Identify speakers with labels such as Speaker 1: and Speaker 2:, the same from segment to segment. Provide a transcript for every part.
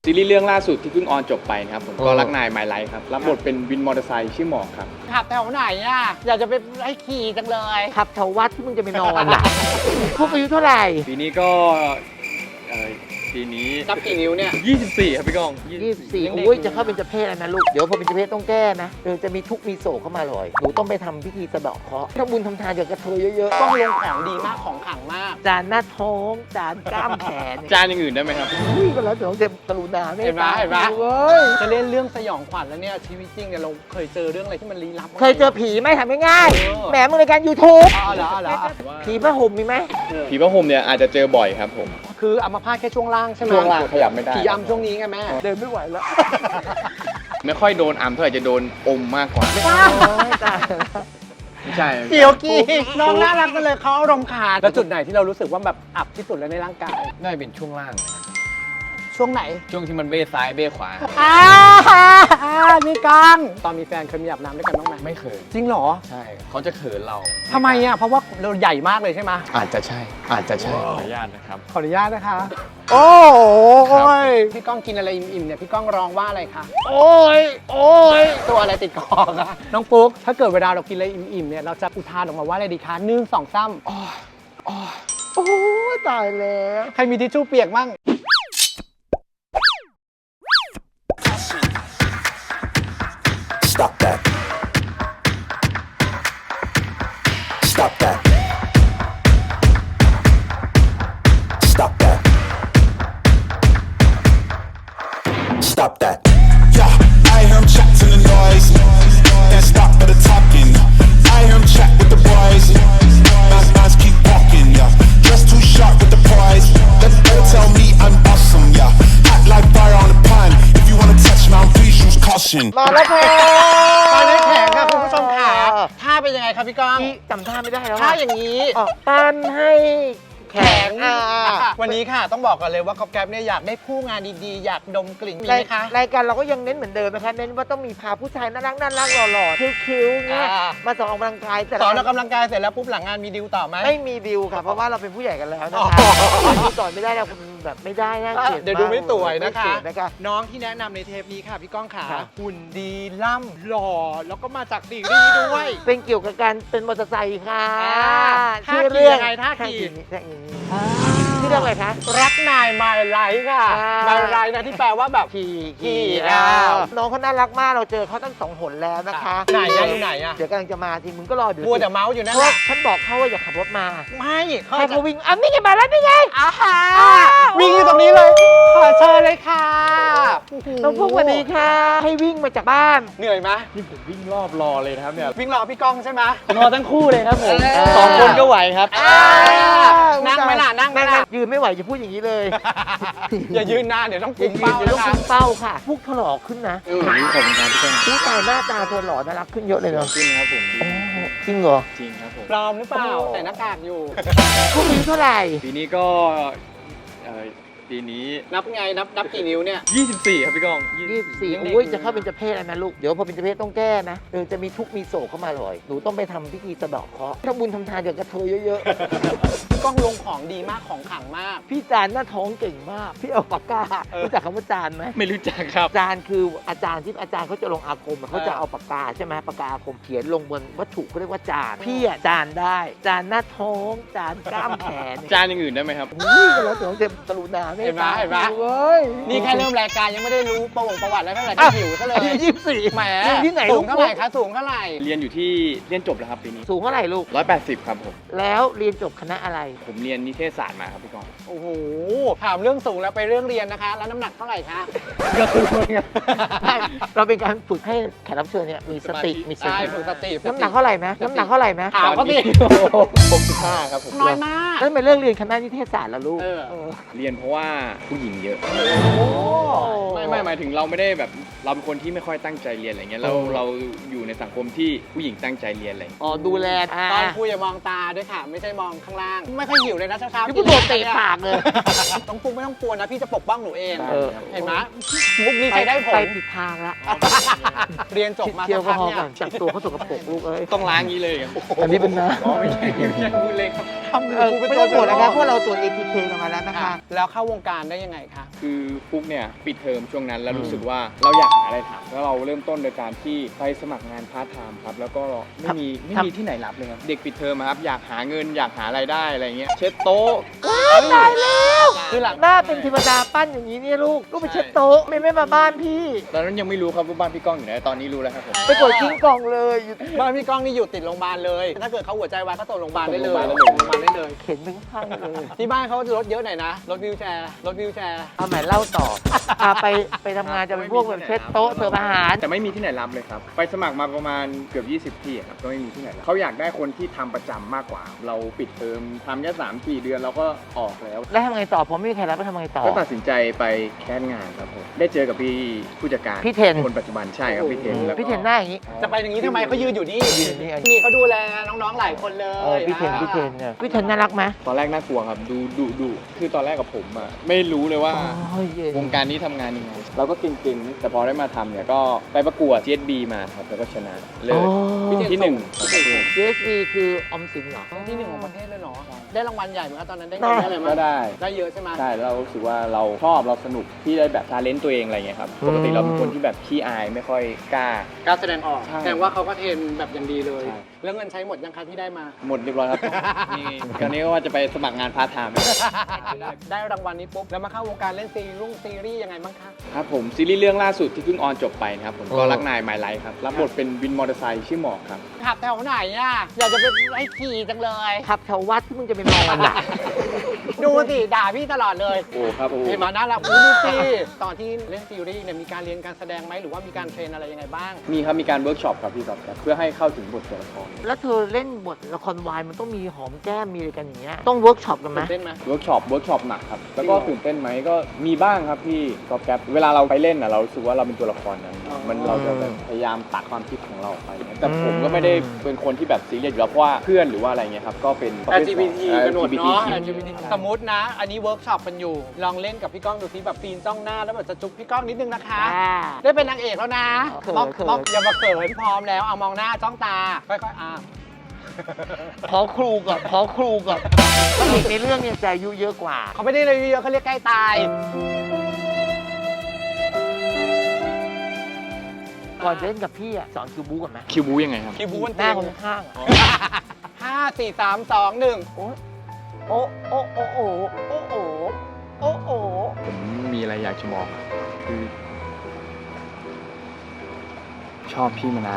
Speaker 1: ซีรีส์เรื่องล่าสุดที่เพิ่งออนจบไปนะครับผมก็รักนายไมล์ไลฟ์ครับรับบทเป็นวินมอเตอร์ไซค์ชื่อหมอกครับ
Speaker 2: ขับแถวไหนอ่ะอยากจะไปให้ขี่จังเลย
Speaker 3: ขับแถววัดที่มึงจะไปนอนล่ะ พวกอายุเท่าไหร่
Speaker 1: ปีนี้ก็ปีนี้
Speaker 2: นับกี่นิ้วเนี่ย
Speaker 1: 24ครับพี่ก้อง
Speaker 3: 24อุ้ยจะเข้าเป็นเจเพศแล้วนะลูก เดี๋ยวพอเป็นเจเพศต้องแก้นะจะมีทุกข์มีโศกเข้ามาเลยหนูต้องไปทำพิธีสะเดาะเคราะห์ถ้าบุญทำทานกับกระเทยเยอะ
Speaker 2: ต้องลงของดีมากของขลังมาก
Speaker 3: ๆจานหน้าท้องจานกล้ามแขน
Speaker 1: จานอย่างอื่นได้ไหมครับ
Speaker 3: อุ้ยก็แล้วเดี๋ยวจะกรุณาไม่
Speaker 2: เห็นไหม
Speaker 3: ตา
Speaker 2: เห็นไหม
Speaker 3: เว้ย
Speaker 2: จะเล่นเรื่องสยองขวัญแล้วเนี่ยชีวิตจริงเนี่ยเราเคยเจอเรื่องอะไรที่มันลี้ลับบ้างไหม
Speaker 3: เคยเจอผีไหมถามง่ายๆแหมมึงรายการ YouTube
Speaker 2: อ๋อเหรอเหรอ
Speaker 3: ผีผ้าห่มมีไหม
Speaker 1: ผีพระห่มเนี่ยอาจจะเจอบ่อยครับผม
Speaker 2: คืออัมพาตแค่ช่วงล่างใช่ไหม
Speaker 1: ช่วงล่างขยับไม่ได้
Speaker 2: ผีอำช่วงนี้ไงแม่
Speaker 3: เดินไม่ไหวแล้ว
Speaker 1: ไม่ค่อยโดนอัมเท่าไหร่จะโดนอมมากกว่า
Speaker 3: โอ้ยตายแล้ว
Speaker 1: ไม่ใช่
Speaker 2: เกี่ยวกี้น้องน่ารักกันเลยเขาอารมณ์ขาดแล้วจุดไหนที่เรารู้สึกว่าแบบอับที่สุดเลยในร่างกาย
Speaker 1: น่าจะเป็นช่วงล่าง
Speaker 2: ช่วงไหน
Speaker 1: ช่วงที่มันเบ้ซ้ายเบ้ขวา
Speaker 2: มีกังตอนมีแฟนเคยมีอาบน้ำด้วยกันบ้างไหม
Speaker 1: ไม่เคย
Speaker 2: จริงเหรอ
Speaker 1: ใช่เขาจะเขินเรา
Speaker 2: ทำไมอ่ะเพราะว่าเราใหญ่มากเลยใช่ไหม
Speaker 1: อาจจะใช่ขออนุญาตนะครับ
Speaker 2: ขออนุญาตนะคะ โอ้โหพี่ก้องกินอะไรอิ่มๆเนี่ยพี่ก้องร้องว่าอะไรคะ
Speaker 3: โอ้ยโอ้ย
Speaker 2: ตัวอะไรติดคอคะน้องปุ๊กถ้าเกิดเวลาเรากินอะไรอิ่มๆเนี่ยเราจะอุทานออกมาว่าอะไรดีคะ1 2 3
Speaker 3: โอ้ยตายแล้ว
Speaker 2: ใครมีทิชชู่เปียกมั่ง
Speaker 4: Stop that. Stop that. Stop that. Stop that. Yeah, I hear him chat to the noise. Then stop for the talking. I hear him chat with the boys. Nice keep walking. Yeah, just too sharp with the prize. Let them tell me I'm awesome. Yeah, hot like fire on the pan. If you wanna touch me, please use caution.
Speaker 3: มาแล้วค่ะ
Speaker 2: ตอนนี้แข็งค่ะคุณผู้ชมค่ะท่าเป็นยังไงครับพี่ก้อง
Speaker 3: พี่จำท่าไม่ได้แล้ว
Speaker 2: ท่า
Speaker 3: อะ
Speaker 2: อย่างนี้
Speaker 3: ปั้นให้แข็ง
Speaker 2: วันนี้ค่ะต้องบอกกันเลยว่าก๊อฟแก๊ปเนี่ยอยากได้ผู้งานดีๆ อยากดมกลิ่นมีไหมคะ
Speaker 3: รายการเราก็ยังเน้นเหมือนเดิมนะคะเน้นว่าต้องมีพาผู้ชายน่ารักหล่อๆคิ้วๆเงี้ยมาสอนออกกำลังกายแต่
Speaker 2: สอนออกกำลังกายเสร็จแล้วปุ๊บหลังงานมีดิวต่อไหม
Speaker 3: ไม่มีดิวค่ะเพราะว่าเราเป็นผู้ใหญ่กันแล้วนะ
Speaker 2: อ๋
Speaker 3: คะ
Speaker 2: อ
Speaker 3: ดิวต่อไม่ได้เราแบบไม่ได้นะเกลียด
Speaker 2: เดี๋ยวดูไม่สวยนะคะ
Speaker 3: ไม่สวยนะคะ
Speaker 2: น้องที่แนะนำในเทปนี้ค่ะพี่ก้องขา
Speaker 3: ค่ะ
Speaker 2: หุ่นดีล่ำหล่อแล้วก็มาจากซีรีส์ด้วย
Speaker 3: เป็นเกี่ยวกับการเป็นมอเตอร์ไซค์ค่ะ
Speaker 2: ท่า
Speaker 3: ชื่อ
Speaker 2: ขี่
Speaker 3: เรื่อง
Speaker 2: ยังไงท่าขี่
Speaker 3: ชื่อเรื่องอะไรคะ
Speaker 2: รักนายมาไลท์ค่ะ
Speaker 3: อ่าม
Speaker 2: มาไลท์นะที่แปลว่าแบบ
Speaker 3: ขี่
Speaker 2: อ้าว
Speaker 3: น้องเขาน่ารักมากเราเจอเขาตั้ง2 หนแล้วนะคะ
Speaker 2: ไหนอะอยู่ไหนอะ
Speaker 3: เดี๋ยวกำลังจะมาทีมึงก็รอเดี๋ยว
Speaker 2: มัวแต่เมาส์อยู่นั่น
Speaker 3: เพราะ
Speaker 2: แห
Speaker 3: ว่า
Speaker 2: ละ
Speaker 3: ฉันบอกเขาว่าอย่าขับรถมา
Speaker 2: ไม่เขา
Speaker 3: ให้
Speaker 2: จะ
Speaker 3: เขาวิ่งอันนี้ไงมาแล้วนี่ไง
Speaker 2: วิ่งอยู่ตรงนี้เลยขอเชิญเลยค่ะ
Speaker 3: น้องพวกสวัสดีค่ะ ให้วิ่งมาจากบ้าน
Speaker 2: เหนื่อยไหม
Speaker 1: นี่ผมวิ่งรอบรอเลยนะครับเนี่ย
Speaker 2: วิ่งรอพี่ก้องใช่ไหม
Speaker 1: รอทั้งคู่เลยครับผม
Speaker 3: เออ
Speaker 1: 2 คนก็ไหวครับ
Speaker 2: นั่งไหมล่ะนั่งไหมล่ะ
Speaker 3: ยืนไม่ไหวจะพูดอย่างนี้เลย
Speaker 2: อย่ายืนนานเดี๋ยวต้อง
Speaker 3: อย่า
Speaker 2: กุม
Speaker 3: ยืน
Speaker 2: เป้า
Speaker 3: เดี๋ยว
Speaker 2: นะ
Speaker 3: ต้อง
Speaker 2: คะ
Speaker 3: คุมเป้าค่ะพวกถลอกขึ้นนะ
Speaker 1: ขอบคุณครับพี่ก้อง
Speaker 3: ผู้ชายหน้าตาเธอหล่อน่ารักขึ้นเยอะเลยเนาะ
Speaker 1: จริงครับผม
Speaker 3: โอ้จริงเหรอ
Speaker 1: จริงครับผม
Speaker 2: ปลอมหรือเปล่าแต่หน้ากากอยู่
Speaker 3: พวกอายุเท่าไหร่
Speaker 1: ปีนี้ก็ปีนี้
Speaker 2: นับไงนับกี่นิ้วเนี่ย
Speaker 1: 24ครับพี่ก้อง
Speaker 3: 24อุ้ยจะเข้าเป็นเจเพศแล้วนะลูก เดี๋ยวพอเป็นเจเพศต้องแก้นะจะมีทุกข์มีโศกเข้ามาเลยหนูต้องไปทำพิธีสะเดาะเคราะห์ถ้าบุญทำทานกับกระเทยเยอะ
Speaker 2: พี่ก้องลงของดีมากของขลังมาก
Speaker 3: ๆ พี่จานหน้าท้องเก่งมาก พี่เอาปากการู้จักคำว่าจานไหม
Speaker 1: ไม่รู้จักครับ
Speaker 3: จานคืออาจารย์ที่อาจารย์เขาจะลงอาคมอะเขาจะเอาปากกาใช่ไหมปากกาอาคมเขียนลงบนวัตถุเขาเรียกว่าจานพี่อะจานได้จานหน้าท้องจานกล้ามแขน
Speaker 1: จานอย่างอื่นได้ไหมครับ
Speaker 3: อุ้ยก็แล้วแต่ต้องเต็มกรุณาไม่
Speaker 2: เห็นไหม
Speaker 3: ตา
Speaker 2: เห็นไหม
Speaker 3: เว้ย
Speaker 2: นี่แค่เริ่มรายการยังไม่ได้รู้ประวัติแล้วเท่าไหร่ก็หิวซะเลย
Speaker 3: อายุ24
Speaker 2: แหม
Speaker 3: เรียนที่ไหน
Speaker 2: สู
Speaker 3: ลู
Speaker 2: ง
Speaker 3: ก
Speaker 2: เท่าไหร่คะสูงเท่าไหร่
Speaker 1: เรียนอยู่ที่เรียนจบแล้วครับปีนี้
Speaker 3: สูงเท่าไหร่ลูก
Speaker 1: 180ครับผม
Speaker 3: แล้วเรียนจบคณะอะไร
Speaker 1: ผมเรียนนิเทศศาสตร์มาครับพี่ก้อง
Speaker 2: โอ้โหถามเรื่องสูงแล้วไปเรื่องเรียนนะคะ แล้วน้ำหนักเท่าไหร่คะ
Speaker 3: เราเป็นการฝึกให้แขกรับเชิญเนี่ยมีสติมีส
Speaker 2: ใช่
Speaker 3: ติ
Speaker 2: ฝึกสติ
Speaker 3: น้ำหนักเท่าไหร่ไหมน้ำหนักเท่าไหร่ไหม
Speaker 2: ถามเขาสิ
Speaker 1: 65ครับผม
Speaker 2: น้อยมาก
Speaker 3: แล้วทำไมเรื่องเรียนคณะนิเทศศาสตร์ล่ะลูก
Speaker 2: เออ
Speaker 1: เรียนเพราะว่าผู้หญิงเยอะ
Speaker 3: โอ้
Speaker 1: ไม่หมายถึงเราไม่ได้แบบเราเป็นคนที่ไม่ค่อยตั้งใจเรียนอะไรเงี้ยเราอยู่ในสังคมที่ผู้หญิงตั้งใจเรียนอะไรเงี้ย
Speaker 3: อ๋อดูแล
Speaker 2: ตอนคุยอย่ามองตาด้วยค่ะ ไม่ใช่มองข้างล่าง ไม่ค่อยหิวเลยนะเช้าๆ
Speaker 3: นี่พูดโดนเตะปากเลย
Speaker 2: ต้องปุ้งไม่ต้องกลัวนะ พี่จะปกป้องหนูเอง
Speaker 3: เออ
Speaker 2: เห็นไหมมุกนี้ใช้ได้ผ
Speaker 3: ไป
Speaker 2: ล
Speaker 3: ผิดทางละ
Speaker 2: เรียนจบมา
Speaker 3: เที่ยว
Speaker 2: สัก
Speaker 3: ก็
Speaker 2: พัก
Speaker 3: พอ
Speaker 2: เนี่ย
Speaker 3: ก่อนจับตัวเขาสกปรกลูกเอ้ย
Speaker 1: ต้องล้างงี้เลยครับ
Speaker 3: อันนี้เป็นน้
Speaker 1: อ๋อไม่ใช่พูดเลยครับ
Speaker 2: ทำ
Speaker 3: ำ
Speaker 2: กูเป็น
Speaker 3: ไม่
Speaker 2: ตัว
Speaker 3: ต้องห่วงนะครับเพราะเราตรวจ ATK กันมาแล้วนะคะ
Speaker 2: แล้วเข้าวงงการได้ยังไงคะ
Speaker 1: คือฟุกเนี่ยปิดเทอมช่วงนั้นแล้วรู้สึกว่าเราอยากหาอะไรทำแล้วเราเริ่มต้นโดยการที่ไปสมัครงานพาร์ทไทม์ครับแล้วก็ไม่มีที่ไหนรับเลยครับเด็กปิดเทอมอะครับอยากหาเงินอยากหารายได้อะไรเงี้ยเช็ดโต๊ะ
Speaker 3: ตายแล้ว
Speaker 2: คือหลัง
Speaker 3: หน้าเป็นเทวดาปั้นอย่างนี้เนี่ยลูกไปเช็ดโต๊ะไม่มาบ้านพี่
Speaker 1: ตอนนั้นยังไม่รู้ครับว่าบ้านพี่ก้องอยู่ไหนตอนนี้รู้แล้วครับผม
Speaker 3: ไปกดทิ้งกล่องเลยอยู่
Speaker 2: บ้านพี่ก้องนี่อยู่ติดโรงพยาบาลเลย ถ้าเกิดเขาหัวใจวายก็ส่งโรงพยาบาลได้เลย
Speaker 1: ส่งโรงพยาบาล
Speaker 2: ส่งโรงพยาบาลได้เลย
Speaker 3: เข็นถึงข้างเลย
Speaker 2: ที่บ้านเขาจะรถเยอะหน่อยนะรถวิวแชร์
Speaker 3: เอาใหม่เล่าต่อไปทำงานจะเป็นพวกแบบเช็ดโต๊ะเสิร์ฟอาหาร
Speaker 1: แต่ไม่มีที่ไหนรับเลยครับไปสมัครมาประมาณเกือบ20 ที่ครับก็ไม่มีที่ไหนรับเขาอยากได้คนที่ทำประจำมากกว่า เราปิดเทอมทำแค่3-4 เดือนเราก็ออกแล้ว
Speaker 3: แล้วทำไงต่อผมไม่มีใครรับแล้วทำไงต่อ
Speaker 1: ก็ตัดสินใจไปแคสงานครับผมได้เจอกับพี่ผู้จัดการ
Speaker 3: พี่เทน
Speaker 1: คนปัจจุบันใช่ครับพี่เทนแล้วก็
Speaker 3: พี่เทนหน้าอย่างนี้
Speaker 2: จะไปอย่างนี้ทำไมเขายืนอยู่นี่
Speaker 3: ยืนอยู่นี่
Speaker 2: นี่เขาดูแลน้องๆหลายคนเลย
Speaker 3: พี่เทนเนี่ยพี่เทนน่ารักไหม
Speaker 1: ตอนแรกน่ากลัวครับดูคือตอนแรกกับผมอะไม่รู้เลยว่า
Speaker 3: โอ้ยเย็น
Speaker 1: วงการนี้ทำงานยังไงเราก็เก่งๆแต่พอได้มาทำเนี่ยก็ไปประกวด CSB มาครับแล้วก็ชนะเลย ที่หนึ่ง
Speaker 3: CSV คือออมสินเหรอ
Speaker 2: ที่หนึ่งของประเทศเลยเนาะได้รางวัลใหญ่เหมือนกันตอนนั้นได้
Speaker 3: ได้
Speaker 2: เงินได้อะไรมา
Speaker 1: ก็ได้
Speaker 2: ได้เยอะใช่ไหม
Speaker 1: ใช่แล้วเรารู้สึกว่าเราชอบเราสนุกที่ได้แบบทาเลนต์ตัวเองอะไรเงี้ยครับปกติเราเป็นคนที่แบบขี้อายไม่ค่อยกล้า
Speaker 2: การแสดงออก
Speaker 1: ใช่
Speaker 2: แสดงว่าเขาก็เทรนแบบอย่างดีเลย
Speaker 1: ใช่
Speaker 2: แล้วเงินใช้หมดยังคะที่ได้มา
Speaker 1: หมดเรียบร้อยครับนี่คราวนี้ก็ว่าจะไปสมัครงานพาร์ทไทม์
Speaker 2: ได้รางวัลนี้ปุ๊บแล้วมาเข้าวงการเล่นซีรีส์ยังไงบ้างคะ
Speaker 1: ครับผมซีรีส์เรื่องล่าสุดที่เพิ่งออนจบไปนะครับผมก็รักนายหมายไลท์ครับรับบทเป็นวินมอเตอร์ไซค์ชื่อหมอกครับ
Speaker 2: ขับแถวไหนอ่ะอยากจะไปไล่ขี่จังเลย
Speaker 3: ขับแถววัดที่มึงจะไปนอนอ่ะ
Speaker 2: ดูสิด่าพี่ตลอดเลย
Speaker 1: โอ้ครับโอ้
Speaker 2: เห็นมาน่ารักดูสิตอนที่เล่นซีรีส์เนี่ยมีการเรียนการแสดงไหมหรือว่ามีการเทรนอะไรยังไงบ้าง
Speaker 1: มีครับมีการเวิร์กช็อปกับพี่ก๊อฟครับเพื่อให้เข้าถึงบทตัวละคร
Speaker 3: แล้วเธอเล่นบทละครวายมันต้องมีหอมแก้มมีอะไรกันอย่างเงี้ยต้องเวิร์กช็อปกันไหม
Speaker 2: ตื่นเต้นไหม
Speaker 1: เวิร์กช็อปหนักครับแล้วก็ตื่นเต้นไหมก็มีบ้างครับพี่ก๊อฟแก๊ปเวลาเราไปเล่นอ่ะเรารู้สึกว่าเราเป็นตัวละครนั้นมันเราจะแบบพยายามตัดความคิดของเราออกไปแต่ผมก็ไม่ได้เป็นคนที่แบบซีเรียสอยู่แล้วเพราะว่าเพื่อนหรือว่าอะไรเงี้ยครับก็เป็น
Speaker 2: LGBT กันหมดเนาะ
Speaker 1: LGBT
Speaker 2: สมมตินะ อันนี้เวิร์กช็อปกันอยู่ ลองเล่นกับพี่ก้องดูซิแบบปีนจ้องหน้าแล้วแบบจะจุ๊บพี่ก้องนิดนึงนะคะ ได้เป็นนางเอกแล้วนะ
Speaker 3: เขิน
Speaker 2: มอง
Speaker 3: เขิน
Speaker 2: มองอย่ามาเขินพร้อมแล้วเอามองหน้าจ้องตาค่อยๆ
Speaker 3: ขอครูก่อนก็เด็กในเรื่องเนี่ยใจอายุเยอะกว่า
Speaker 2: เขาไม่ได้เลยเยอะเขาเรียกใกล้ตาย
Speaker 3: ก่อนจะเล่นกับพี่อ่ะสอนคิวบูก่อนไหม
Speaker 1: คิวบูยังไงครับ
Speaker 2: คิวบูน
Speaker 3: หน้าคนข้างๆอะ
Speaker 2: 5 4 3 2 1
Speaker 3: โอ้โอ้โอ้โอ้โอ้โอ้โอ้โอ้โอ้
Speaker 1: ผมมีอะไรอยากจะบอกคือชอบพี่มานาน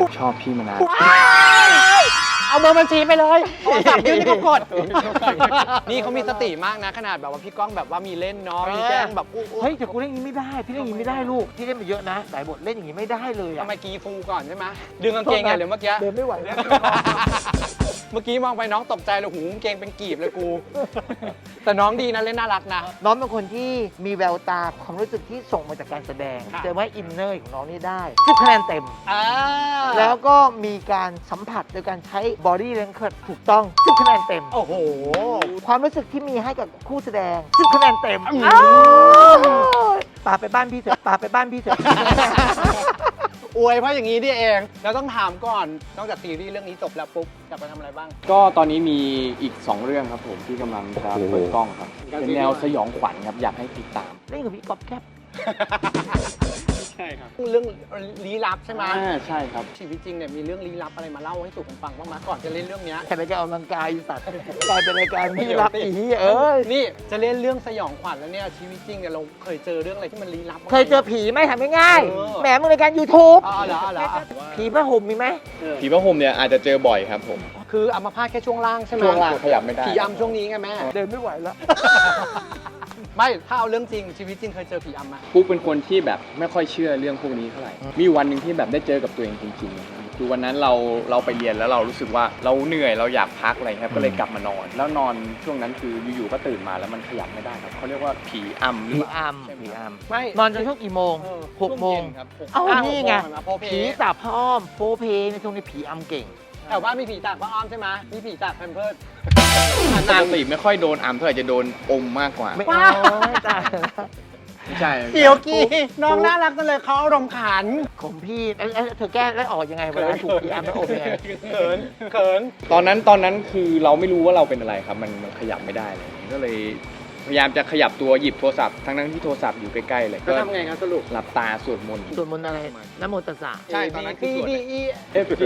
Speaker 2: เอาเบอร์บัญชีไปเลยโทรศัพท์ยื่นที่เขากด นี่เขามีสติมากนะขนาดแบบว่าพี่ก้องแบบว่ามีเล่นเนาะมีแกล้งแบบอู้
Speaker 3: เฮ้ยแต่กูเล่นอย่างนี้ไม่ได้พี่เล่นอย่างนี้ไม่ได้ลูกพี่เล่นมาเยอะนะหลายบทเล่นอย่างนี้ไม่ได้เลย
Speaker 2: ทำ
Speaker 3: อ่ะ
Speaker 2: ไมกีฟูก่อนใช่ไหมดึงกางเกงไงหรือเมื่อกี้
Speaker 3: เดินไม่ไหวแล้ว
Speaker 2: เมื่อกี้มองไปน้องตกใจเลยหูกางเกงเป็นกีบเลยกู แต่น้องดีนะเล่นน่ารักนะ
Speaker 3: น้องเป็นคนที่มีแววตาความรู้สึกที่ส่งมาจากการแสดง
Speaker 2: ค่ะ
Speaker 3: แต่ว่าอินเนอร์ของน้องนี่ได้10 คะแนนเต็ม แล้วก็มีการสัมผัสโดยการใช้ body language ถูกต้อง10 คะแนนเต็ม
Speaker 2: โอ้โห
Speaker 3: ความรู้สึกที่มีให้กับคู่แสดง10 คะแนนเต็ม
Speaker 2: อืม
Speaker 3: อ้าวป่าไปบ้านพี่เถอะป่าไปบ้านพี่เถอะ
Speaker 2: อวยเพราะอย่างนี้นี่เองแล้วต้องถามก่อนนอกจากซีรีส์เรื่องนี้จบแล้วปุ๊บจะไปทำอะไรบ้าง
Speaker 1: ก็ตอนนี้มีอีก 2 เรื่องครับผมที่กำลังจะเปิดกล้องครับเป็นแนวสยองขวัญครับอยากให้ติดตาม
Speaker 3: เล่นกับพี่ก๊อฟแคป
Speaker 1: ใช่ครับ
Speaker 2: เรื่องลี้ลับใช่ไหม
Speaker 1: ใช่ครับ
Speaker 2: ชีวิตจริงเนี่ยมีเรื่องลี้ลับอะไรมาเล่าให้สู่ผมฟังบ้างไหมก่อนจะเล่นเรื่องเนี้ย
Speaker 3: แต่รายการออกกำลังกายอีสัตว์กลายเป็นรายการที่รักอีเอ้ย
Speaker 2: นี่จะเล่นเรื่องสยองขวัญแล้วเนี่ยชีวิตจริงเนี่ยเราเคยเจอเรื่องอะไรที่มันลี้ลับบ้างไหม
Speaker 3: เคยเจอผีไหมถามง่าย
Speaker 2: เออ
Speaker 3: ๆแหมมึงรายการ YouTube
Speaker 2: อ๋อเหรอ
Speaker 3: ผีผ้าห่มมีไหม
Speaker 1: ผีพระห่มเนี่ยอาจจะเจอบ่อยครับผม
Speaker 2: คืออัมพาตแค่ช่วงล่างใช่ไหม
Speaker 1: ช่วงล่างขยับไม่ได้
Speaker 2: ผีอำช่วงนี้ไงแม่
Speaker 3: เดินไม่ไหวแล้ว
Speaker 2: ไม่ถ้าเอาเรื่องจริงชีวิตจริงเคยเจอผีอำไหม
Speaker 1: ปุ๊กเป็นคนที่แบบไม่ค่อยเชื่อเรื่องพวกนี้เท่าไหร่ มีวันหนึ่งที่แบบได้เจอกับตัวเองจริงๆคือวันนั้นเราไปเรียนแล้วเรารู้สึกว่าเราเหนื่อยเราอยากพักอะไรครับก็เลยกลับมานอน แล้วนอนช่วงนั้นคืออยู่ๆก็ตื่นมาแล้วมันขยับไม่ได้ครับเขาเรียกว่าผีอำหรือ
Speaker 3: ผี
Speaker 1: เปล่า
Speaker 3: อำ
Speaker 1: ใช่ไหม
Speaker 3: ผี
Speaker 1: ครับ
Speaker 3: อำ
Speaker 2: ไม่
Speaker 3: นอนจนช่วงกี่โมง 6 โมง
Speaker 1: ช่วเย็นครับ6
Speaker 3: เอ้านี่ไง
Speaker 2: โพเพ
Speaker 3: ผีตาพร้อมโฟเพในช่วงนี้ผีอำเก่ง
Speaker 2: แถวบ้านมีผีตากพระอ้อมใช่ไหมมีผีตากแพมเพิร์ส
Speaker 1: ปกติไม่ค่อยโดนอำเท่าไหร่จะโดนอมมากกว่า
Speaker 3: ไม่เอาไม่ตาย
Speaker 1: ไม่ใช่
Speaker 2: เดี๋ยวกี้น้องน่ารักจังเลยเขาอารมณ์ขัน
Speaker 3: ของพี่เธอแก้แล้วออกยังไงเวลาถูกผีอำแล้วออกยังไง
Speaker 2: เขิน
Speaker 1: ตอนนั้นคือเราไม่รู้ว่าเราเป็นอะไรครับ มันขยับไม่ได้เลยก็เลยพยายามจะขยับตัวหยิบโทรศัพท์ทั้งที่โทรศัพท์อยู่ใกล้ๆเลย
Speaker 2: ก็ทำไงครับสรุป
Speaker 1: หลับตาสวดมนต์
Speaker 3: สวดมนต์อะไรนะโมตัสสะ
Speaker 1: ใช่ตอนนั้นคือสวด
Speaker 2: DE
Speaker 1: FG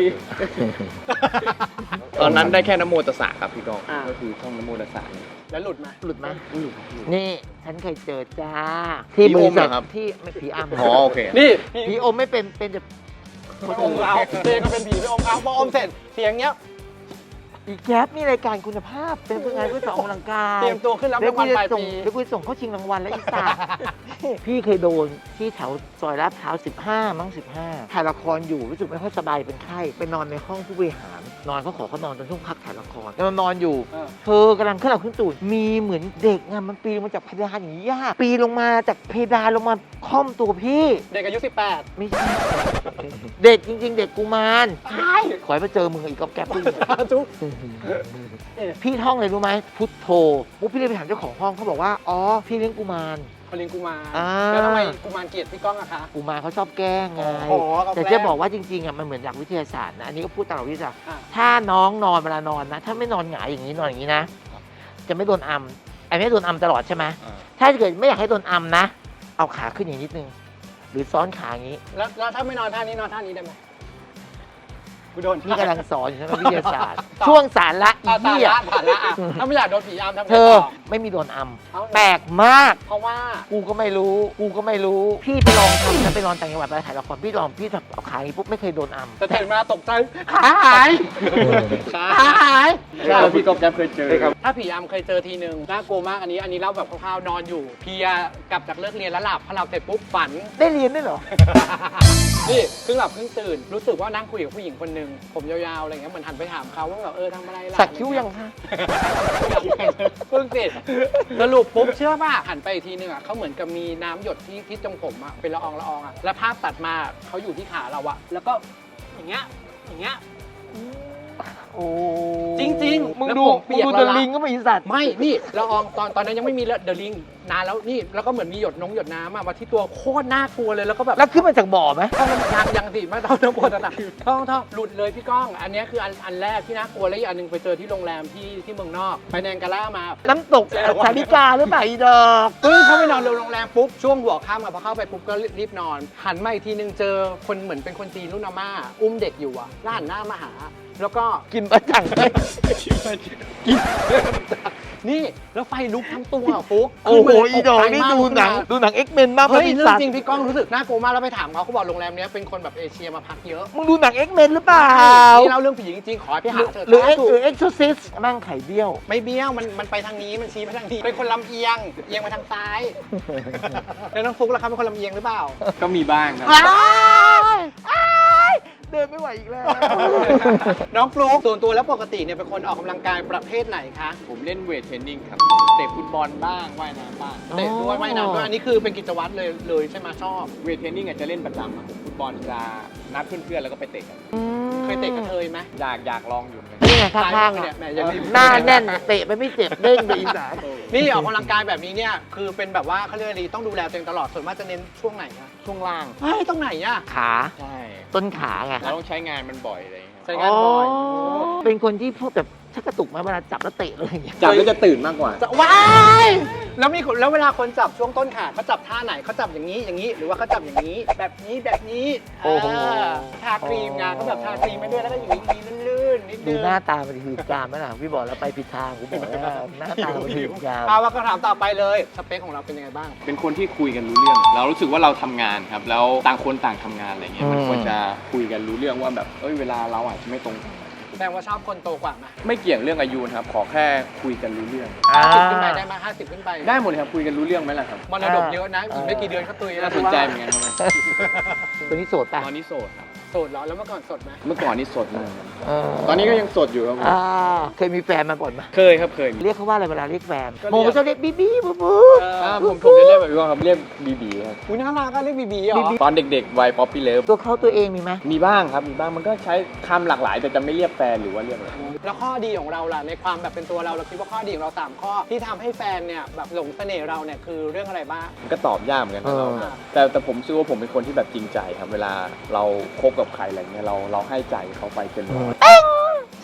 Speaker 1: ตอนนั้นได้แค่นะโมตัสสะครับพี่กอง
Speaker 2: อ่า
Speaker 1: ก็คือท่องนะโมตัสสะ
Speaker 2: แล้วหลุดมา
Speaker 3: หลุดไหม
Speaker 1: อุ้ยหลุด
Speaker 3: นี่ฉันเคยเจอจ้า
Speaker 1: ผี
Speaker 3: ที่บ
Speaker 1: อ
Speaker 3: ริ
Speaker 1: มเหร
Speaker 3: ษั
Speaker 1: อ
Speaker 3: ท
Speaker 1: ครับ
Speaker 3: ที่ไม่ผีอำ
Speaker 1: อ๋อโอเค
Speaker 2: นี่
Speaker 3: ผีอมไม่เป็นแต่
Speaker 2: อมเอาเจก็เป็นผีไปอมเอาพออมเสร็จเสียงเงี้ย
Speaker 3: อีกแก๊ปนี่รายการคุณภาพเป็นผู้งานเพื่อสอนออกกำลังกาย
Speaker 2: เตรียมตัวขึ้นรับรางวัลปลายปี
Speaker 3: เดี๋ยวกูจะส่งเข้าชิงรางวัลแล้วอีสานพี่เคยโดนที่แถวซอยลาดพร้าว15 มั้ง 15 ถ่ายละครอยู่รู้สึกไม่ค่อยสบายเป็นไข้ไปนอนในห้องผู้บริหารนอนเขาขอเขานอนตอนช่วงพักถ่ายละครแล้วนอนอยู่ เธอกำลังขึ้นหลับขึ้นตื่นมีเหมือนเด็กอะมันปีนลงมาจากเพดานอย่างนี้ย่าปีนลงมาจากเพดานลงมาค่อมตัวพี่
Speaker 2: เด็กอายุ 18
Speaker 3: ไม่ใช่ เด็กจริง ๆ เด็กกุมารขอให้มาเจอมึงอีกกับแก๊ปด้วย
Speaker 2: จุ๊บ
Speaker 3: พี่ท่องเลยรู้ไหมพุทโธปุ๊บพี่เลยไปถามเจ้าของห้องเขาบอกว่าอ๋อพี่เลี้ยงกุมาร
Speaker 2: เขาเลี้ยงกุมาร
Speaker 3: อ่า
Speaker 2: แล้วทำไมกุมารเกลียดพี่ก้องอะคะ
Speaker 3: กุมารเขาชอบแกล้งไง
Speaker 2: อ๋อเขาแกล้ง
Speaker 3: แต่จะบอกว่าจริงๆอ่ะมันเหมือนหลักวิทยาศาสตร์นะอันนี้ก็พูดตามหลักวิทยาศาสตร์
Speaker 2: อ่ะ
Speaker 3: ถ้าน้องนอนเวลานอนนะ ถ้าไม่นอนหงายอย่างนี้นอนอย่างนี้นะ จะไม่โดนอัมไอ้ไม่โดนอัมตลอดใช่ไหม
Speaker 1: อ่า
Speaker 3: ถ้าเกิดไม่อยากให้โดนอัมนะ เอาขาขึ้นอย่างนิดนึง หรือซ้อนขาอย่างนี้
Speaker 2: แล้วถ้าไม่นอนท่านี้นอนท่านี้ได้ไหมกูโดน
Speaker 3: นี่กำลังสอนอยู่ใช่ไหมวิทยาศาสตร์ ช่วงสารละอี
Speaker 2: อ่ะ
Speaker 3: เหี้ย
Speaker 2: ผ่านละอ่ะถ้าไม่อยากโดนผีอำทำไง
Speaker 3: เธอ
Speaker 2: ต่อ
Speaker 3: ไม่มีโดนอัม
Speaker 2: เอา
Speaker 3: แปลกมาก
Speaker 2: เพราะว่า
Speaker 3: กูก็ไม่รู้ พี่ไปลองทำนะไปลองต่างจังหวัดไปถ่ายละครพี่ลองพี่เอาขาอย่างนี้ปุ๊บไม่เคยโดนอัม
Speaker 2: จะตื่นมาตกใจขาหายขาหาย
Speaker 1: ใช่พี่กองแก๊ปเคยเจอครับ
Speaker 2: ถ้าผีอำเคยเจอทีนึงน่ากลัวมากอันนี้เล่าแบบคร่าวๆนอนอยู่เพลียกลับจากเลิกเรียนแล้วหลับพอหลับเสร็จปุ๊บฝัน
Speaker 3: ได้เรียนด้วยเหรอ
Speaker 2: นี่ครึ่งหลับครึ่งตื่น รู้สึกว่านั่งคุยกับผู้หญิงคนหนึ่งผมยาวๆอะไรเงี้ยเหมือนหันไปถามเขาว่าแบบทำอะไรล่ะ
Speaker 3: สักคิ้วยังคะ
Speaker 2: เพิ่งเสร็จสรุปปุ๊บเชื่อป่ะหันไปอีกทีนึงอ่ะเขาเหมือนกับมีน้ำหยดที่ตรงผมอ่ะเป็นละอองอ่ะแล้วภาพตัดมาเขาอยู่ที่ขาเราอ่ะแล้วก็อย่างเงี้ย
Speaker 3: โอ้
Speaker 2: จริงๆ
Speaker 3: มึง
Speaker 2: แล้ว
Speaker 3: ดู
Speaker 2: ผมเปียก
Speaker 3: มึงดู
Speaker 2: ละ
Speaker 3: เด
Speaker 2: ละ
Speaker 3: ลิงก็ไม่อีสัตว์
Speaker 2: ไม่นี่ละอองตอนนั้นยังไม่มีเดอะลิงนานแล้วนี่แล้วก็เหมือนมีหยดน้ำมาที่ตัวโคตรน่ากลัวเลยแล้วก็แบบ
Speaker 3: แล้วขึ้นมาจากบ่อไหม
Speaker 2: ยังสิไม่ต้องปวดตาท่องหลุดเลยพี่ก้อง อันนี้คืออันแรกที่น่ากลัวแล้วอีกอันหนึงไปเจอที่โรงแรมที่เมืองนอกไปแนงกาล่ามา
Speaker 3: น้ำตกสาริกาหรือเปล่าอีดอก
Speaker 2: ปึ้งเข้าไปนอนโรงแรมปุ๊บช่วงหัวค่ำอะพอเข้าไปปุ๊บก็รีบนอน หันมาอีกทีนึงเจอคนเหมือนเป็นคนจีนรุ่นอาม่าอุ้มเด็กอยู่อะแล้วหันหน้ามาหา แล้วก็
Speaker 3: กินประจังไหม
Speaker 2: นี่แล้วไฟลุกทั้งตัวอะฟุ๊ก
Speaker 3: โอ้โห
Speaker 2: ขึ้นมาเลย
Speaker 3: อีดอก
Speaker 2: ตใจ
Speaker 3: นี่
Speaker 2: มาก
Speaker 3: ดูหนังเอ็กเมนมาก
Speaker 2: เฮ้ย
Speaker 3: พี่
Speaker 2: เรื่อง
Speaker 3: สัตว์
Speaker 2: จริงพี่ก้องรู้สึกน่ากลัวมากแล้วไปถามเขาบอกโรงแรมเนี้ยเป็นคนแบบเอเชียมาพักเยอะ
Speaker 3: มึงดูหนังเอ็กเมนหรือเปล่า
Speaker 2: นี่เล่าเรื่องผีจริงๆขอให้ไปหาเถอะ
Speaker 3: หรือเอ็ก
Speaker 2: ถูก
Speaker 3: เอ็กซ์โซซิสมั่งไข่เบี้ยว
Speaker 2: ไม่เบี้ยวมันไปทางนี้มันชี้ไปทางนี้เป็นคนลำเอียงไปทางซ้าย แล้วน้องฟุ๊กล่ะครับเป็นคนลำเอียงหรือเปล่า
Speaker 1: ก็มีบ้างครับ
Speaker 3: เดินไม่ไหวอีกแล้ว
Speaker 2: น้องฟลุ๊กส่วนตัวแล้วปกติเนี่ยเป็นคนออกกำลังกายประเภทไหนคะ
Speaker 1: ผมเล่นเวทเทรนนิ่งครับเตะฟุตบอลบ้างว่ายน้ำบ้าง
Speaker 2: เตะด้วยว่ายน้ำด้วยอันนี้คือเป็นกิจวัตรเลยใช่ไหมชอบ
Speaker 1: เวทเทรนนิ่งอาจจะเล่นประจำครับฟุตบอลจะนัดเพื่อนๆแล้วก็ไปเตะกัน
Speaker 2: เคยเตะกระเทยไหม
Speaker 1: อยากลองอยู่เหมือนกัน
Speaker 3: นี่ไง
Speaker 2: ซ้าย
Speaker 3: ข้าง
Speaker 2: มือ
Speaker 3: ๆ
Speaker 2: เนี่
Speaker 3: เนี่ย ย
Speaker 2: แหมอย่ารีบ
Speaker 3: หน้าแน่นเตะไปไม่เจ็บเด้งไปอีสาน
Speaker 2: นี่ออกกำลังกายแบบนี้เนี่ยคือเป็นแบบว่าเขาเรียกอะไรต้องดูแลตัวเองตลอดส่วนมากจะเน้นช่วงไหนคะ
Speaker 1: ช่วงล่าง
Speaker 2: เฮ้ยตรงไหนอะ
Speaker 3: ขา
Speaker 1: ใช่
Speaker 3: ต้นขาไง
Speaker 1: เราต้องใช้งานมันบ่อยอะไรอย่างเงี้ย
Speaker 2: ใช้งานบ่อย
Speaker 3: เป็นคนที่พวกแบบชักกระตุกไหมเวลาจับแล้วเตะเลยอย่างเงี้ย
Speaker 1: จับแล้วจะตื่นมากกว่า
Speaker 2: จะว้ายแล้วเวลาคนจับช่วงต้นขาเขาจับท่าไหนเขาจับอย่างนี้หรือว่าเขาจับอย่างนี้แบบนี้
Speaker 3: โอ้โห
Speaker 2: ทาครีมไงเขาแบบทาครีมไปด้วยแล้วก็อย่างนี้ลื่นๆนิด
Speaker 3: ดู
Speaker 2: นึง
Speaker 3: หน้าตามันหืดกามไหมล่ะพี่บอกแล้วไปผิดทางกูบอกแล้วหน้าตามันหืดกาม
Speaker 2: เอาว่าคำถามต่อไปเลยสเปคของเราเป็นยังไงบ้าง
Speaker 1: เป็นคนที่คุยกันรู้เรื่อง เรารู้สึกว่าเราทำงานครับ แล้วต่างคนต่างทำงานอะไรเงี้ย มันควรจะคุยกันรู้เรื่องว่าแบบเวลาเราอาจจะไม่ตรงกัน
Speaker 2: แสดงว่าชอบคนโตกว่าไหม
Speaker 1: ไม่เกี่ยงเรื่องอายุนะครับ ขอแค่คุยกันรู้เรื่อง
Speaker 2: 50ขึ้นไปได้ไหม50ขึ้นไป
Speaker 1: ได้หมดเลยครับ คุยกันรู้เรื่องไหมล่ะครับ
Speaker 2: มรดกเยอะนะอีกไม่กี่เดือนก็ตุย
Speaker 1: น่าสนใจเหมือนกันครับ
Speaker 3: ตัวนี้โสดป่ะ
Speaker 1: ตอนนี้โสดครับ
Speaker 2: โสดเหรอแล้วเมื่อก่อนโสดไหม
Speaker 1: เมื่อก่อนนี่โสดมาก
Speaker 3: เออ
Speaker 1: ตอนนี้ก็ยังโสดอยู่ครับผม
Speaker 3: เคยมีแฟนมาก่อนไหม
Speaker 1: เคยครับเคย
Speaker 3: เรียกเขาว่าอะไรเวลาเรียกแฟน
Speaker 2: ก็เรียก
Speaker 3: โมจะเรียกบีบีบูบู
Speaker 1: ผมจะเรียกแบบนี้ครับเรียกบีบีครับ
Speaker 2: อุ้ยน่ารักก็เรียกบีเหรอ
Speaker 1: ตอนเด็กๆวัยป๊อปปี้เลิฟ
Speaker 3: ตัวเขาตัวเองมีไหม
Speaker 1: มีบ้างครับมีบ้างมันก็ใช้คำหลากหลาย แต่จะไม่เรียกแฟนหรือว่าเรียกอะไร
Speaker 2: แล้วข้อดีของเราล่ะในความแบบเป็นตัวเราคิดว่าข้อดีของเรา3ข้อที่ทำให้แฟนเนี่ยแบบหลงเสน่ห์เราเนี่ยคือเรื่องอะไรบ้าง
Speaker 1: มันก็ตอบยากเหมือนกันนะเรา
Speaker 2: เออ
Speaker 1: แต่ผมเชื่อว่าผมเป็นคนที่แบบจริงใจครับ เวลาเราคบกับใครอะไรเงี้ยเราให้ใจเขาไปเต็มร้อย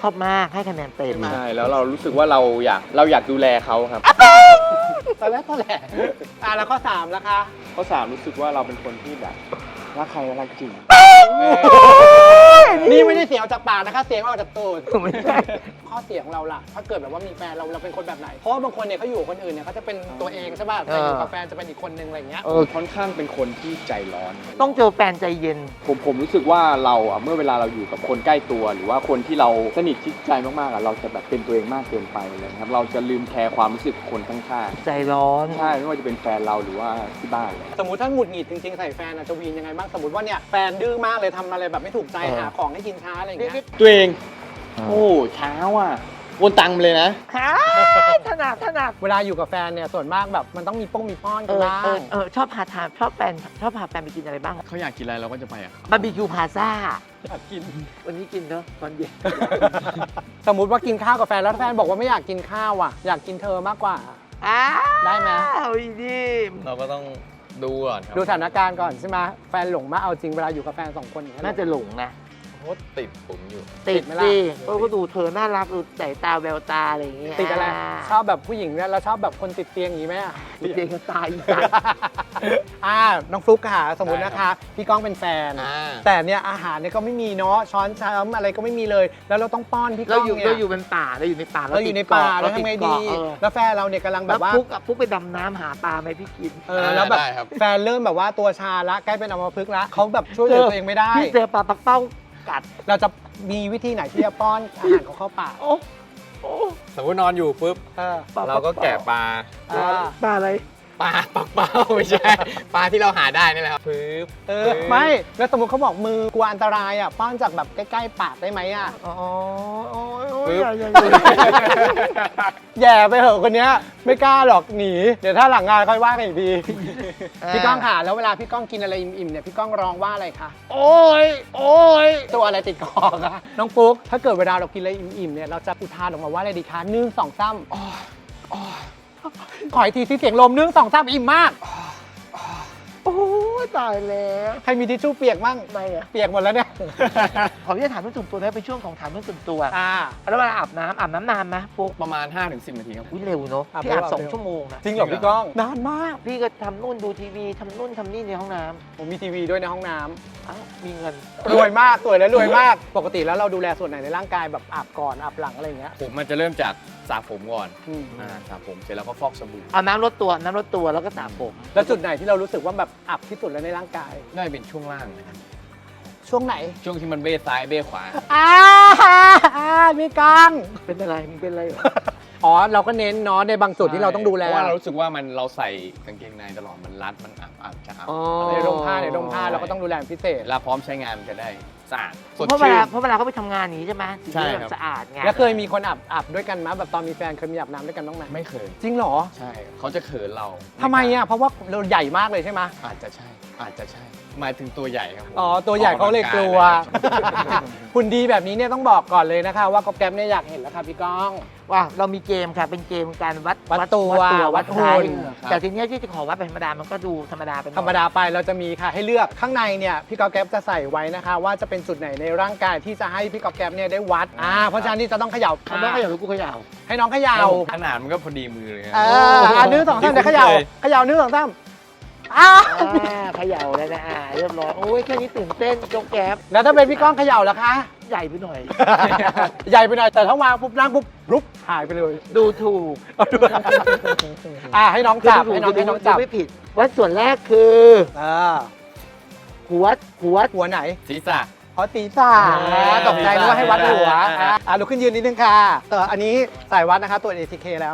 Speaker 3: ชอบมากให้คะแนนเต็ม
Speaker 1: ใช่แล้วเรารู้สึกว่าเราอยากดูแลเขาครับ
Speaker 2: ตอนแรกก็แหละแล้วข้อ3แล้วคะ
Speaker 1: ข้อ3รู้สึกว่าเราเป็นคนที่แบบรักใครก็รักจริง
Speaker 2: นี่ไม่ได้เสียงออกจากปากนะคะเสียงออกจากตูด
Speaker 3: ไม่ใช่
Speaker 2: ข้อเสียของเราล่ะ ถ้าเกิดแบบว่ามีแฟนเราเป็นคนแบบไหน เพราะว่าบางคนเนี่ยเขาอยู่กับคนอื่นเนี่ยเขาจะเป็นตัวเองใช่ป่ะแต่อยู่กับแฟนจะเป็นอีกคนนึงอะไรเงี้ย
Speaker 1: ค่อนข้างเป็นคนที่ใจร้อน
Speaker 3: ต้องเจอแฟนใจเย็น
Speaker 1: ผมรู้สึกว่าเราอ่ะเมื่อเวลาเราอยู่กับคนใกล้ตัวหรือว่าคนที่เราสนิทชิดใจมากๆอ่ะเราจะแบบเป็นตัวเองมากเกินไปเลยครับเราจะลืมแคร์ความรู้สึกคนข้าง
Speaker 3: ใจร้อน
Speaker 1: ๆใช่ไม่ว่าจะเป็นแฟนเราหรือว่าที่บ้านเลย
Speaker 2: สมมติถ้าหงุดหงิดจริงๆใส่แฟนจะวีนยังไงบ้างสมมติว่าเนี่ยแฟนดื้อมากเลยทำอะไรแบบไม่ถูกใจหาของให้กินช้าอะไรอย่างเงี้ย
Speaker 1: ตัวเองโอ้เช้าอ่ะวนตังค์เลยนะ
Speaker 3: ถนัด
Speaker 2: เวลาอยู่กับแฟนเนี่ยส่วนมากแบบมันต้องมีป้อนกันบ้าง
Speaker 3: ชอบพาแฟนไปกินอะไรบ้าง
Speaker 1: เขาอยากกินอะไรเราก็จะไปอ่ะ
Speaker 3: บาร์บีคิวพาซ่า
Speaker 2: อยากกิน
Speaker 3: วันนี้กินเนอะตอนเย็น
Speaker 2: สมมุติว่ากินข้าวกับแฟนแล้วแฟนบอกว่าไม่อยากกินข้าวอ่ะอยากกินเธอมากกว่า ได้ไหม
Speaker 3: เอาอีดี
Speaker 1: เราก็ต้องดูก่อนครับ
Speaker 2: ดูสถานการณ์ก่อนใช่ไหมแฟนหลงมากเอาจริงเวลาอยู่กับแฟน2 คนอย่งเงี้ย
Speaker 3: น่าจะหลงนะ
Speaker 1: โคตรติดผมอยู่
Speaker 3: ติด
Speaker 2: ไหมล่ะ
Speaker 3: สิก็ดูเธอน่ารักดูสายตาแววตาอะไรอย่างเงี้ย
Speaker 2: ติดอะไรชอบแบบผู้หญิงเนี่ยเราชอบแบบคนติดเตียงอย่างนี้ไหมอะ
Speaker 3: ติดเตียงก็ตายอีสัตว์
Speaker 2: น้องฟลุ๊กค่ะสมมตินะคะพี่ก้องเป็นแฟน แต่เนี่ยอาหารเนี่ยก็ไม่มีเนาะช้อนชามอะไรก็ไม่มีเลย แล้วเราต้องป้อนพี่ก้
Speaker 3: เรา
Speaker 2: อง
Speaker 3: อยู่
Speaker 2: เนี่ย
Speaker 3: เราอยู่เป็นป่าเราอยู่ในป่า
Speaker 2: เราอยู่ในป่าแล้วทำไงดี
Speaker 3: เออ
Speaker 2: แล้วแฟนเราเนี่ยกำลังแบ
Speaker 3: แล้ว
Speaker 2: บว่า
Speaker 3: ฟุกไปดำน้ำหาปลาไหมพี่กิน
Speaker 2: แล้วแบบ
Speaker 1: ได้ครับ
Speaker 2: แฟนเริ่มแบบว่าตัวชาละใกล้เป็นอัมพฤกษ์ละเขาแบบช่วยเหลือตัวเองไม่ได้
Speaker 3: พี่เจอปลาปักเป้ากัด
Speaker 2: เราจะมีวิธีไหนที่จะป้อนอาหารเขาเข้าปาก
Speaker 3: โอ้โอ้
Speaker 1: สมมตินอนอยู่ปุ๊บ
Speaker 2: เออ
Speaker 1: เราก็แกะปลา
Speaker 2: อ่า
Speaker 3: ปลาอะไร
Speaker 1: ปลาปักเป้าไม่ใช่ ปลาที่เราหาได้นี่แหละครับปึ๊บ
Speaker 2: ไม่แล้วสมมติเขาบอกมือกลัวอันตรายอ่ะป้อนจากแบบใกล้ๆปากได้ไหมอ่ะ
Speaker 3: อ๋อโอ้ยโอ้ย
Speaker 1: ปึ๊บ
Speaker 3: อย่า
Speaker 2: แย่ไปเหอะคนเนี้ยไม่กล้าหรอกหนีเดี๋ยวถ้าหลังงานค่อยว่ากันอีกทีพี่ก้องค่ะแล้วเวลาพี่ก้องกินอะไรอิ่มๆเนี่ยพี่ก้องร้องว่าอะไรคะ
Speaker 3: โอ้ยโอ้ย
Speaker 2: ตัวอะไรติดคอคะน้องปุ๊กถ้าเกิดเวลาเรากินอะไรอิ่มๆเนี่ยเราจะอุทานออกมาว่าอะไรดีคะ1 2 3ขออีกทีที่เสียงลม1 2 3อิ่มมาก
Speaker 3: โอ้ยตายแล้ว
Speaker 2: ใครมีทิชชู่เปียกมั่ง
Speaker 3: ทำไมอ่ะ
Speaker 2: เปียกหมดแล้วเนี่ย
Speaker 3: ขออนุญาตถามเรื่องส่วนตัวนะเป็นช่วงของถามเรื่องส่วนตัว
Speaker 2: อ่า
Speaker 3: แล้วเวลาอาบน้ำนานไหมฟุก
Speaker 1: ประมาณ 5-10 นาทีครับ
Speaker 3: อุ้ยเร็วเนอะ
Speaker 2: อาบ
Speaker 3: พี่อาบ
Speaker 2: เร็ว
Speaker 3: 2 ชั่วโมงนะ
Speaker 2: จริงเหรอพี่ก้องนานมาก
Speaker 3: พี่ก็ทำนู่นดูทีวีทำนู่นทำนี่ในห้องน้
Speaker 2: ผมมีทีวีด้วยในห้องน้ำ
Speaker 3: ำเอ้ามีเงิน
Speaker 2: รวยมากสวยและรวยมาก ปกติแล้วเราดูแลส่วนไหนในร่างกายแบบอาบก่อนอาบหลังอะไรอย่างเงี้ย
Speaker 1: ผมมันจะเริ่มจากสระผมก่อน
Speaker 2: อืม
Speaker 1: สระผมเสร็จแล้วก็ฟอกสบู่
Speaker 3: เอาน้ำลดตัวแล้วก็สระผม
Speaker 2: แล้วจุดไหนที่เรารู้สึกว่าแบบอับที่สุดแล้วในร่างกาย
Speaker 1: ได้เป็นช่วงล่างนะครับ
Speaker 2: ช่วงไหน
Speaker 1: ช่วงที่มันเบ้ซ้ายเบ้ขวา
Speaker 2: พี่ก้อง
Speaker 3: เป็นอะไรมึงเป็นอะไรเหรอ
Speaker 2: อ๋อเราก็เน้นเนาะในบางจุดที่เราต้องดูแล
Speaker 1: เพราะว่าเรารู้สึกว่าเราใส่กางเกงในตลอดมันรัดมันอับจะอับ
Speaker 3: อ๋อ
Speaker 2: ในร่มผ้าเราก็ต้องดูแลเป็นพิเศษ
Speaker 1: แล้วพร้อมใช้งานมันจะได้สะอาดสด
Speaker 3: เพราะเว
Speaker 1: ชื่
Speaker 3: ลาน เขาไปทำงานอย่างนี้ใช่ไหมถึง
Speaker 1: ใช่
Speaker 3: จะ
Speaker 1: ค
Speaker 3: แบ
Speaker 1: รับ
Speaker 3: บสะอาดไง
Speaker 2: แล้วเคยมีคนอาบด้วยกันไหมแบบตอนมีแฟนเคยมีอาบน้ำด้วยกันบ้างไหม
Speaker 1: ไม่เคย
Speaker 2: จริงเหรอ
Speaker 1: ใช่เขาจะเขินเรา
Speaker 2: ทำไมอ่ะเพราะว่าเราใหญ่มากเลยใช่ไหม
Speaker 1: อาจจะใช่ หมายถึงตัวใหญ่ครับผม
Speaker 2: อ๋อตัวใหญ่เขาเลยกลัว
Speaker 1: ออกกำลังกายนะครับ
Speaker 2: หุ่นดีแบบนี้เนี่ยต้องบอกก่อนเลยนะคะว่าก๊อฟแก๊ปเนี่ยอยากเห็นแล้วค่ะพี่ก้อง
Speaker 3: ว่าเรามีเกมค่ะเป็นเกมการวัด
Speaker 2: วัดตัว
Speaker 3: วัด
Speaker 2: หุ่
Speaker 3: หุ่
Speaker 2: น
Speaker 3: นแต่ทีเนี้ยที่จะขอวัดเป็นธรรมดามันก็ดูธรรมดาไปหน่อย
Speaker 2: ธรรมดาไปเราจะมีค่ะให้เลือกข้างในเนี่ยพี่ก๊อฟแก๊ปจะใส่ไว้นะคะ ว่าจะเป็นจุดไหนในร่างกายที่จะให้พี่ก๊อฟแก๊ปเนี่ยได้วัดเพราะฉะนั้นนี่จะต้องเขย่า
Speaker 3: เขาต้องเขย่าหรือกูเขย่า
Speaker 2: ให้น้องเขย่า
Speaker 1: ขนาดมันก็พอดีมือเลยครับ
Speaker 2: นึกสองสามเดี๋ยวเขย่านึกสองสาม
Speaker 3: เขย่าแล้วนะเรียบร้อยโอ้ยแค่นี้ตื่นเต้นยกแก๊บ
Speaker 2: แล้วถ้าเป็นพี่ก้องเขย่าล่ะคะ
Speaker 3: ใหญ่ไปหน่อย
Speaker 2: ใหญ่ไปหน่อยแต่ถ้าวางปุ๊บนั่งปุ๊บรุบหายไปเลย
Speaker 3: ดูถูก
Speaker 2: ให้น้องจับให้น้องจับ
Speaker 3: ไม่ผิดวัดส่วนแรกคือ หัว
Speaker 2: ไหน
Speaker 1: ศีรษะ
Speaker 2: เพราะตีซ่าตกใจนึกว่าให้วัดหัวลุกขึ้นยืนนิดนึงค่ะแต่อันนี้สายวัดนะคะตัว ATK แล้ว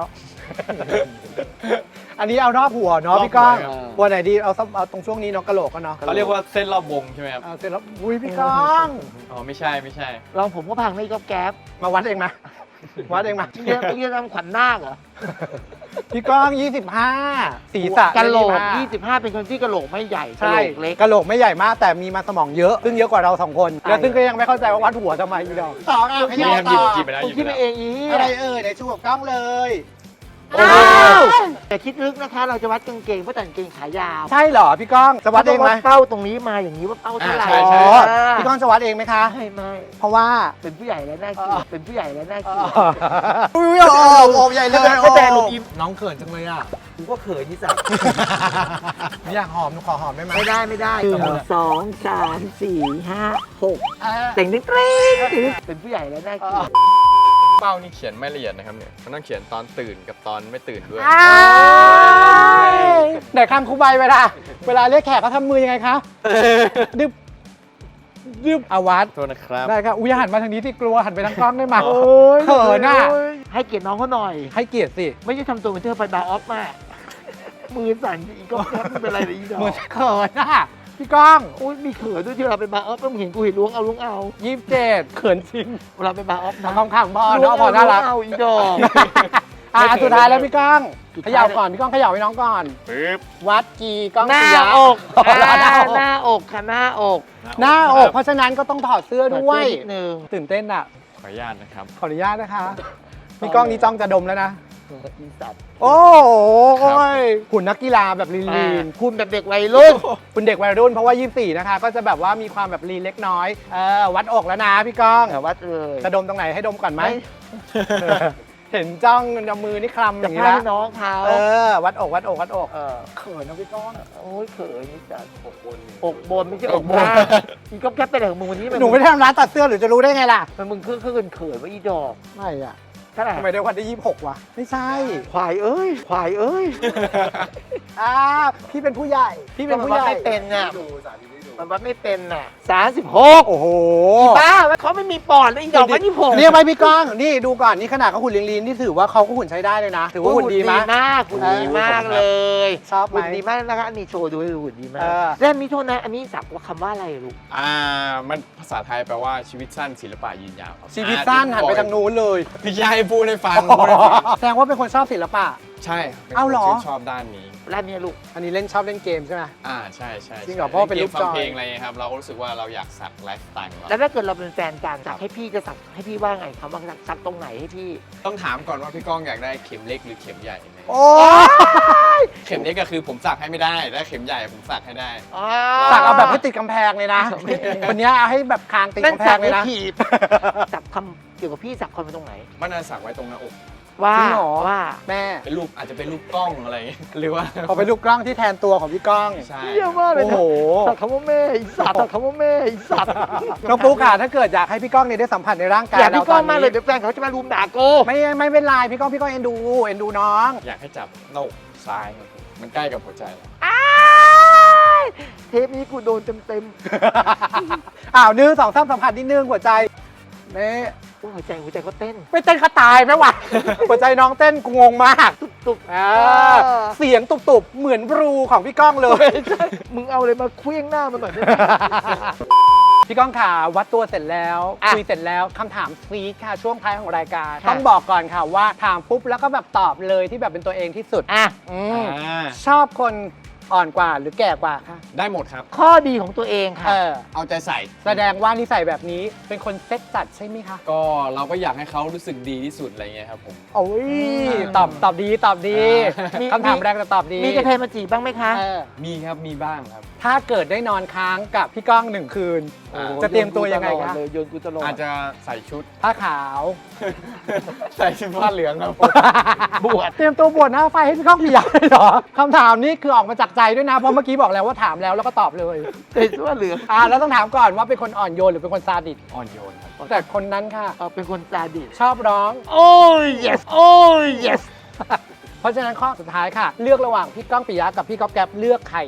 Speaker 2: อันนี้เอารอบหัวเนาะพี่ก้องหัวไหนดีเอาตรงช่วงนี้เนาะกะโหลกก็เนาะ
Speaker 1: เขาเรียกว่าเส้นรอบวงใช่ไหมครับ
Speaker 2: เสร็จแล้วอุ้ยพี่ก้อง
Speaker 1: อ๋อไม่ใช่
Speaker 3: ลองผมก็พังไม่ยกแก๊บ
Speaker 2: มาวัดเองมาวัดเองมา
Speaker 3: นี่ทำขวัญนาคเหรอ
Speaker 2: พี่ก้อง 25ศีรษะ
Speaker 3: กะโหลก
Speaker 2: 25
Speaker 3: 25 เป็นคนที่กะโหลกไม่ใหญ่กะ
Speaker 2: ใช่
Speaker 3: โหลกเล็ก
Speaker 2: กะโหลกไม่ใหญ่มากแต่มีมาสมองเยอะ ซึ่งเยอะกว่าเราสองคน
Speaker 3: ใช่
Speaker 2: แล้วซึ่งก็ยังไม่เข้าใจว่าวัดหัวทำไมอีดอกสองอ่ะข
Speaker 1: นี่
Speaker 2: ยับ
Speaker 1: ครับหยิ
Speaker 2: ต่
Speaker 1: บ
Speaker 2: อ
Speaker 1: หยิบไปแล้ว
Speaker 3: ผม
Speaker 1: หยิบ
Speaker 3: คิด
Speaker 1: ไป
Speaker 3: ไป
Speaker 1: แล้ว
Speaker 3: เองอี
Speaker 2: อะไรเอ่ยไหนชูกับกล้องเลย
Speaker 3: อ้าวแต่คิดลึกนะคะ เราจะวัดกางเกงเพราะแต่กางเกงขายาว
Speaker 2: ใช่เหรอพี่ก้องจะวัดเองไหม
Speaker 3: เป้าตรงนี้มาอย่างนี้ว่าเป้าเท่าไหร่
Speaker 1: ใช่ใช่
Speaker 2: อ๋อ
Speaker 3: อ่า
Speaker 2: พี่ก้องจะวัดเองไหมคะ
Speaker 3: ไม่
Speaker 2: เพราะว่า
Speaker 3: เป็นผู้ใหญ่แล้วน่าเกลียดเป็นผู้ใหญ่แล้วน่าเกลียด
Speaker 2: อุ้ยโอบใหญ่เลย
Speaker 3: ก็แต่ลูกอิม
Speaker 2: น้องเขินจังเลยอ่ะ
Speaker 3: กูก็เขินที่สัตว์
Speaker 2: อยากหอมหนูขอหอมได้ไหม
Speaker 3: ไม่ได้1 2 3 4 5 6
Speaker 2: อ่า
Speaker 3: แต่งเต้งเป็นผู้ใหญ่แล้วน่าเกลียด
Speaker 1: เป้านี่เขียนไม่ละเอียดนะครับเนี่ยมันต้องเขียนตอนตื่นกับตอนไม่ตื่นด้วย
Speaker 2: ไหนคำครูใบเวลาเรียกแขกเขาทำมือยังไงคะดึบดึบอาวัด
Speaker 1: โทษนะครับ
Speaker 2: ได้ครับอุ้ยหันมาทางนี้ที่กลัวหันไปทางกล้องได้ไหม
Speaker 3: โอ้ย
Speaker 2: เขินอ่ะ
Speaker 3: ให้เกียรติน้องเขาหน่อย
Speaker 2: ให้เกียรติสิ
Speaker 3: ไม่ใช่ทำตัวเป็นเธอไปบาร์ออฟมากมือสั่นอีกก็แคปไม่เป็นไรเลยอีดอ
Speaker 2: เหมือก นเขินอ่ะพี่ก้อง
Speaker 3: โอ้ยมีเขินด้วยที่เราไปบาร์ออฟต้องเห็นกูเห็นล้วงเอา
Speaker 2: 27เขินจริง
Speaker 3: เวลาไปบาร์ออฟนะ
Speaker 2: คำขังพอเนาะพอน่ารัก
Speaker 3: เอาอีดอก
Speaker 2: อ่ะสุดท้ายแล้วพี่ก้อง
Speaker 3: สุด
Speaker 2: เข
Speaker 3: ท้าย
Speaker 2: ย่าก่อนพี่ก้องเขย่าให้น้องก่อน
Speaker 1: ปึ๊บ
Speaker 2: วัดกีก้อง
Speaker 3: หน้า
Speaker 2: ปิยะ
Speaker 3: อก
Speaker 2: หน้าอก
Speaker 3: หน้าอกค่ะหน้าอก
Speaker 2: หน้าอก เพราะฉะนั้นก็ต้องถอดเสื้อด้วย
Speaker 3: นิดนึง
Speaker 2: ตื่นเต้นอ่ะ
Speaker 1: ขออนุญาตนะครับ
Speaker 2: ขออนุญาตนะคะพี่ก้องนี้จ้องจะดมแล้วนะ
Speaker 3: อีสัตว์
Speaker 2: โอ้โห
Speaker 1: ครับ
Speaker 2: หุ่นนักกีฬาแบบลีน
Speaker 3: คุณแบบเด็กวัยรุ่น
Speaker 2: ๆคุณเด็กวัยรุ่นเพราะว่า24นะคะ ก็จะแบบว่ามีความแบบลีนเล็กน้อยวัดอกแล้วนะพี่ก้อง
Speaker 3: แต่วัดเลย
Speaker 2: จะดมตรงไหนให้ดมก่อนไหม
Speaker 3: ไม่
Speaker 2: เห็นจ้องเอามือนี่คลำอ
Speaker 3: จะ
Speaker 2: ย่างนี้
Speaker 3: พา
Speaker 2: แล้ว
Speaker 3: ให้น้องเขา
Speaker 2: วัดอกวัดอกวัดอก
Speaker 3: เออ
Speaker 2: เขินนะพี่ก้อง
Speaker 3: โอ้ยเขินนี่สัตว์อกบนไม่ใช่อกบนอีก็แคปไปไหนของมึงวันนี้
Speaker 2: หนูไม่ได้ทำร้านตัดเสื้อหรือจะรู้ได้ไงล่ะ
Speaker 3: มันมึงเขินว่าอีดอก
Speaker 2: ไม่อะ
Speaker 3: เท่าไหร่
Speaker 2: ทำไมได้วันที่26วะไม่ใช่
Speaker 3: ควายเอ้ย
Speaker 2: พี่เป็นผู้ใหญ่พี่เป็นผู้ใหญ่
Speaker 3: ไม่เป็นน่ะมันวัดไม่เป็นน่ะ36
Speaker 2: โอ้โห
Speaker 3: บ้าเขาไม่มีปอดเลยอีดอกมัน26
Speaker 2: เรียกไปพี่ก้องนี่ดูก่อนนี่ขนาดเขาหุ่นลีนๆนี่ถือว่าเขาก็หุ่นใช้ได้เลยนะ ถือว่าหุ่นดีมาก
Speaker 3: หุ่นดีมากเลย
Speaker 2: ชอบไหม
Speaker 3: หุ่นดีมากนะคะอันนี้โชว์ดูให้ดูหุ่นดีมาก
Speaker 2: เออ
Speaker 3: แล้วมีโทษนะอันนี้สับว่าคำว่าอะไรลูก
Speaker 1: มันภาษาไทยแปลว่าชีวิตสั้นศิลปะยืนยาวครับ
Speaker 2: ชีวิตสั้นหันไปทางนู้นเลย
Speaker 1: พี่ยายพูดให้ฟัง
Speaker 2: แสดงว่าเป็นคนชอบศิลปะ
Speaker 1: ใช่ป็นคน
Speaker 2: เอาเหรอ
Speaker 1: ที่ชอบด้านนี้
Speaker 3: แล้วเนี่ยลูก
Speaker 2: อันนี้ชอบเล่นเกมใช่ไหม
Speaker 1: ใช่ใช่
Speaker 2: จริงเหรอเพราะว่าเป็นรูป
Speaker 1: ฟั
Speaker 2: จ
Speaker 1: ง
Speaker 2: อย
Speaker 1: เพลงอะไรเงี้ยครับเราก็รู้สึกว่าเราอยากสักไลฟ์สไตล์ของเรา
Speaker 3: แล้วถ้าเกิดเราเป็นแฟนกันสักให้พี่จะสักให้พี่ว่าไงคำว่าสักตรงไหนให้พี่
Speaker 1: ต้องถามก่อนว่าพี่ก้องอยากได้เข็มเล็กหรือเข็มใหญ่ไหม
Speaker 2: โอ้ย
Speaker 1: เข็มเล็กก็คือผมสักให้ไม่ได้และเข็มใหญ่ผมสักให้ได้
Speaker 2: สักเอาแบบให้ติดกำแพงเลยนะวันนี้เอาให้แบบคางติด
Speaker 3: นั่น
Speaker 2: กำแพ
Speaker 3: สั
Speaker 2: ง
Speaker 3: ก
Speaker 2: เลย
Speaker 3: ให้
Speaker 2: นะ
Speaker 3: ถีบสักคำเกี่ยวกับพี่สักคนไปตรงไหน
Speaker 1: มันจะสักไว้ตรงหน้าอก
Speaker 3: ว่า
Speaker 2: จริงเหรอ
Speaker 3: ว่า
Speaker 2: แม่
Speaker 1: เป็นรูปอาจจะเป็นรูปกล้องอะไรอย่างเงี้ยหรือว่า
Speaker 2: พอเป็นรูปกล้องที่แทนตัวของพี่ก้อง
Speaker 1: ใช่
Speaker 3: เยี่ยมมากเลย
Speaker 2: โอ้โห
Speaker 3: สักคำว่าแม่อีสัตว์สักคำว่าแม่อีสัตว์
Speaker 2: น้องปุ๊กค่ะถ้าเกิดอยากให้พี่ก้องเนี่ยได้สัมผัสในร่างกาย
Speaker 3: อยากพี่ก้อง
Speaker 2: ร
Speaker 3: มากเลยเดี๋ยวแฟนเขาจะมารุมด่าโก
Speaker 2: ไม่เป็นไรพี่ก้องเอ็นดูน้อง
Speaker 1: อยากให้จับหน้าอกซ้ายครับผมมันใกล้กับหัวใจ
Speaker 3: เทปนี้กูโดนเต็ม
Speaker 2: อ้าว1 2 3สัมผัสนิดนึงหัวใจนี่
Speaker 3: ๆโอ้ยหัวใจก็เต้น
Speaker 2: ไม่เต้นเขาตายไหมวะ หัวใจน้องเต้นกูงงมาก
Speaker 3: ตุบ
Speaker 2: เสียงตุบๆเหมือนบลูของพี่ก้องเลย
Speaker 3: มึงเอาอะไรมาเคลี้ยงหน้ามันหน่อยได้ไหม
Speaker 2: พี่ก้องค่ะวัดตัวเสร็จแล้ว
Speaker 3: อ่ะ
Speaker 2: คุยเสร็จแล้วคำถามซีดค่ะช่วงท้ายของรายการ
Speaker 3: ค่ะ
Speaker 2: ต้องบอกก่อนค่ะว่าถามปุ๊บแล้วก็แบบตอบเลยที่แบบเป็นตัวเองที่สุด
Speaker 3: อ่ะ
Speaker 2: อืมชอบคนอ่อนกว่าหรือแก่กว่าคะ
Speaker 1: ได้หมดครับ
Speaker 3: ข้อดีของตัวเองค่ะ
Speaker 1: เอาใจใส่
Speaker 2: แสดงว่านิสัยแบบนี้เป็นคนเซ็ตจัดใช่ไหมคะ
Speaker 1: ก็เราก็อยากให้เขารู้สึกดีที่สุดอะไรเงี้ยครับผม
Speaker 2: โอ้ยตอบดี
Speaker 3: มี
Speaker 2: คำถามแรกจะตอบดี
Speaker 3: มีกระเทยมาจีบบ้างไหมคะ
Speaker 2: เออ
Speaker 1: มีครับมีบ้างครับ
Speaker 2: ถ้าเกิดได้นอนค้างกับพี่ก้อง1 คืน จะเตรียมตัวยังไงคะ
Speaker 3: โยนกูตลอด
Speaker 1: อาจจะใส่ชุด
Speaker 2: ผ้าขาว
Speaker 1: ใส่ชุดผ้าเหลืองครับผม
Speaker 3: บวช
Speaker 2: เตรียมตัวบวชหน้าไฟให้พี่ก้องปิยะเลยเหรอคำถามนี้คือออกมาจากใจด้วยนะเพราะเมื่อกี้บอกแล้วว่าถามแล้วก็ตอบเลย
Speaker 3: ใส่เสื้อเหลือง
Speaker 2: แล้วต้องถามก่อนว่าเป็นคนอ่อนโยนหรือเป็นคนซาดิส
Speaker 1: อ่อนโยนครับ
Speaker 2: แต่คนนั้นค่ะ
Speaker 3: เป็นคนซาดิส
Speaker 2: ชอบร้อง
Speaker 3: โอ้ย yes โอ้ย yes
Speaker 2: เพราะฉะนั้นข้อสุดท้ายค่ะ เลือกระหว่างพี่ก้องปิยะกับพี่ก๊อฟแก๊ปเลือกใคร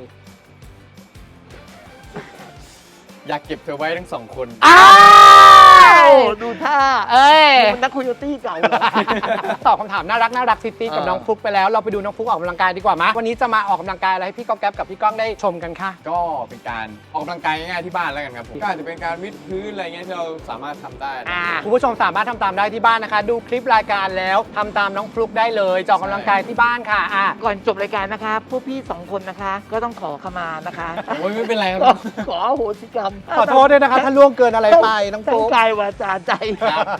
Speaker 1: อยากเก็บเธอไว้ทั้งสองคน
Speaker 3: ดูท่า
Speaker 2: เอ้ย
Speaker 3: มันนักโคโยตี้เก่าเหรอ
Speaker 2: ตอบคำถามน่ารักซิตี้กับน้องฟลุกไปแล้วเราไปดูน้องฟลุกออกกำลังกายดีกว่ามั้ยวันนี้จะมาออกกำลังกายอะไรให้พี่ก๊อฟแก๊ปกับพี่ก้องได้ชมกันค่ะ
Speaker 1: ก็เป็นการออกกำลังกายง่ายๆที่บ้านแล้วกันครับผมก็อาจจะเป็นการวิดพื้นอะไรเงี้ยที่เราสามารถทำได้นะ
Speaker 2: คุณผู้ชมสามารถทำตามได้ที่บ้านนะคะ ดูคลิปรายการแล้วทำตามน้องฟลุกได้เลยจะออกกำลังกายที่บ้านค่ะ
Speaker 3: ก่อนจบรายการนะคะ พวกพี่2 คนนะคะ ก็ต้องขอขมานะคะ
Speaker 1: โอ้ยไม่เป็นไรครับ
Speaker 3: ขออโหสิกรรม
Speaker 2: ขอโทษด้วยนะคะถ้าล่วงเกินอะไรไปน้องฟ
Speaker 3: ทั้
Speaker 2: ลุ
Speaker 3: ง
Speaker 2: ก
Speaker 3: กายวาจาใจ
Speaker 1: ครับ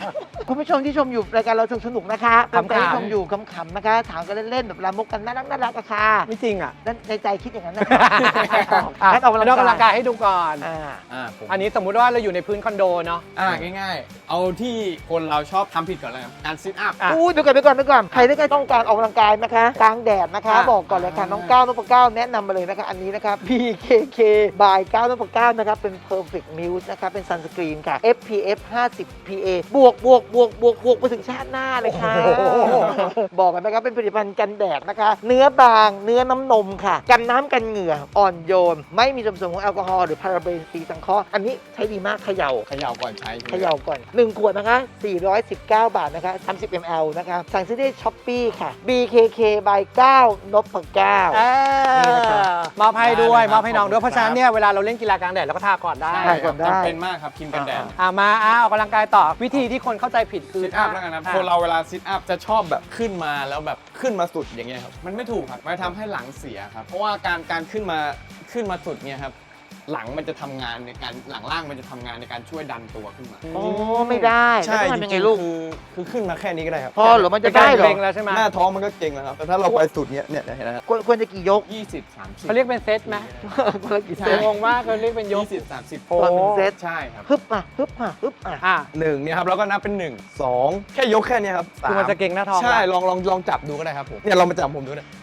Speaker 3: คุณผู้ชมที่ชมอยู่รายการเราสนุกนะคะ
Speaker 2: ขำๆ
Speaker 3: ที่ชมอยู่ขำๆนะคะ ถามกันเล่นๆแบบลามกกันน่ารักอะค่ะ
Speaker 2: ไม่จริงอ่ะ
Speaker 3: นั่นในใจคิดอย่างนั้นนะคะ
Speaker 2: อ่ะ
Speaker 3: งั้นออก
Speaker 2: นอกกำลังกายให้ดูก่อน
Speaker 1: ผม
Speaker 2: อันนี้สมมุติว่าเราอยู่ในพื้นคอนโดเนาะ
Speaker 1: ง่ายๆ เอาที่คนเราชอบทำผิดก่อนเลยครับการซิทอัพ
Speaker 2: อ่ะ
Speaker 3: อู้ยไปก่อนใครที่ต้องการออกกำลังกายนะคะกลางแดดนะคะ
Speaker 1: อ่ะ
Speaker 3: บอกก่อนเลยค่ะน้องก้าวนพเก้าแนะนำมาเลยนะคะอันนี้นะคะ BKK by ก้าวนพเก้านะคะเป็น perfect muse นะคะเป็น sunscreen ค่ะ SPF 50 PA บวกไปถึงชาติหน้าเลยค่ะ บอกกันนะครับเป็นผลิตภัณฑ์กันแดดนะคะ เนื้อบางเนื้อน้ำนมค่ะ กันน้ำกันเหงื่ออ่อนโยน ไม่มีส่วนผสมของแอลกอฮอล์หรือพาราเบนสีสังเคราะห์อันนี้ใช้ดีมากเขย่า
Speaker 1: เขย่าก่อนใช้
Speaker 3: เขย่าก่อน 1 ขวดนะคะ 419 บาทนะคะ 30 ml นะคะ สั่งซื้อได้ช้อปปี้ค่ะ BKK by 9นพเก้า นี่นะครับ
Speaker 2: มอบให้ด้วยมอบให้น้องด้วยเพราะฉะนั้นเนี่ยเวลาเราเล่นกีฬากลางแดดเราก็ทาก่อนได้
Speaker 1: ใช่
Speaker 3: ใช่
Speaker 1: ค
Speaker 3: ก่
Speaker 1: รั
Speaker 3: อบ นได้
Speaker 1: จำเป็นมากครับครีมกันแดด
Speaker 2: มาออกกำลังกายต่อวิธีที่คนเข้าใจผิดคือ
Speaker 1: ซิทอัพแล้วกันนะคนเราเวลาซิทอัพจะชอบแบบขึ้นมาแล้วแบบขึ้นมาสุดอย่างเงี้ยครับมันไม่ถูกครับมันทำให้หลังเสียครับเพราะว่าการขึ้นมาสุดเนี่ยครับหลังมันจะทำงานในการหลังล่างมันจะทำงานในการช่วยดันตัวขึ้นมา
Speaker 3: โอ้ไม่ได้แล้วต้องทำยังไงลูก
Speaker 5: คือขึ้นมาแค่นี้ก็ได้ครับ
Speaker 3: พอเหรอมันจะได้เหรอ
Speaker 2: เล็งแล้วใช่ไหม
Speaker 5: หน้าท้องมันก็เก่งแล้วครับ แต่ถ้าเราไปสุดเนี้ยเนี่ยเห็นไหมครับ
Speaker 3: ควรจะกี่ยก
Speaker 1: 20-30
Speaker 2: เขาเรียกเป็นเซตไหม
Speaker 3: คนละกี่เซ
Speaker 2: เซ
Speaker 3: ต
Speaker 2: ตงงมากเขาเรียกเป็นยก
Speaker 1: 20-30
Speaker 3: ตอนหนึ่งเซต
Speaker 1: ใช่ครับ
Speaker 3: ฮึบอ่ะ
Speaker 2: อ่ะ
Speaker 5: หนึ่งเนี่ยครับแล้วก็นับเป็น1 2แค่ยกแค่เนี้ยครับ
Speaker 2: คือมันจะเก่งหน้าท้อง
Speaker 5: ใช่
Speaker 2: ละ
Speaker 5: ลองจับดูก็ได้ครับผมเนี่ยลองมาจับผมดูนะ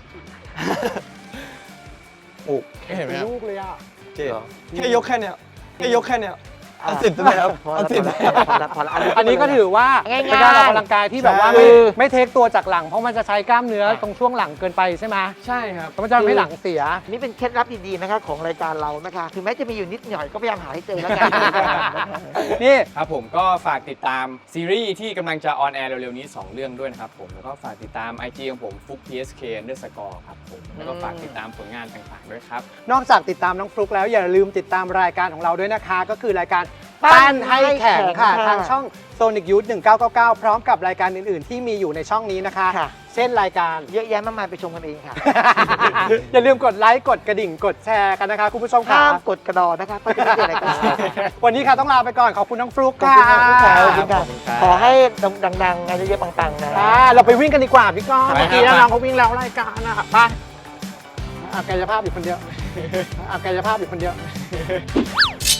Speaker 5: โอ้เห็นไหมครับ
Speaker 2: ลูกเลยอ่ะ
Speaker 5: เจ๊แค่ยกแค่เนี้ยเอา10ได้ไหมครับ
Speaker 3: พอ
Speaker 5: เอา
Speaker 3: ละ
Speaker 5: 10
Speaker 3: พอละพอละ
Speaker 2: อันนี้ก็ถือว่า
Speaker 3: ง่ายๆ
Speaker 2: เป็นการออกกำลังกายที่แบบว่า
Speaker 5: ใช่
Speaker 2: ไม่เทคตัวจากหลัง เพราะมันจะใช้กล้ามเนื้อตรงช่วงหลังเกินไปใช่ไหม
Speaker 1: ใช่ครับ
Speaker 2: แล้วมันจะทำให้หลังเสีย
Speaker 3: นี่เป็นเคล็ดลับดีๆนะคะของรายการเรานะคะ ถึงแม้จะมีอยู่นิดหน่อยก็พยายามหาให้เจอแล้วกัน
Speaker 2: นี่
Speaker 1: ครับผมก็ฝากติดตามซีรีส์ที่กำลังจะออนแอร์เร็วๆนี้ 2 เรื่องด้วยนะครับผมแล้วก็ฝากติดตาม IG ของผมฟุก PSK _ ครับผมแล้วก็ฝากติดตามผลงานต่างๆด้วยครับ
Speaker 2: นอกจากติดตามน้องฟลุกแล้วอย่าลืมติดตามรายการของเราด้วยนะคะ ก็คือรายการ
Speaker 3: ปั้
Speaker 2: ปั้
Speaker 3: น
Speaker 2: น
Speaker 3: ให้
Speaker 2: ให้
Speaker 3: แข็
Speaker 2: แข็
Speaker 3: ง
Speaker 2: งค่ะ
Speaker 3: ค่ะ
Speaker 2: ทางช่อง Sonic Youth 1999 พร้อมกับรายการอื่นๆ ที่มีอยู่ในช่องนี้นะคะ
Speaker 3: ค่ะ
Speaker 2: เช่นรายการ
Speaker 3: เยอะแยะมากมายไปชมกันเองค่ะ
Speaker 2: อย่าลืมกดไลค์กดกระดิ่งกดแชร์กันนะคะคุณผู้ชมค่ะ
Speaker 3: ห้ามกดกระดอนะคะเพื่อจะไม่เจอรายการเราค่ะ
Speaker 2: วันนี้ค่ะต้องลาไปก่อนขอบคุณน้องฟลุก
Speaker 3: ขอบ
Speaker 2: ค่ะ
Speaker 3: คุณค่ะขอบคุณค่ะ
Speaker 1: ขอบคุณครับ
Speaker 3: ขอให้ดังๆงานเยอะๆปังๆนะ
Speaker 2: เราไปวิ่งกันดีกว่าพี่ก้อง
Speaker 1: ไปครับ
Speaker 2: เมื่อกี้น้องเขาวิ่งแล้วรายการอะไปกายภาพอยู่คนเดียวกายภาพอยู่คนเดียว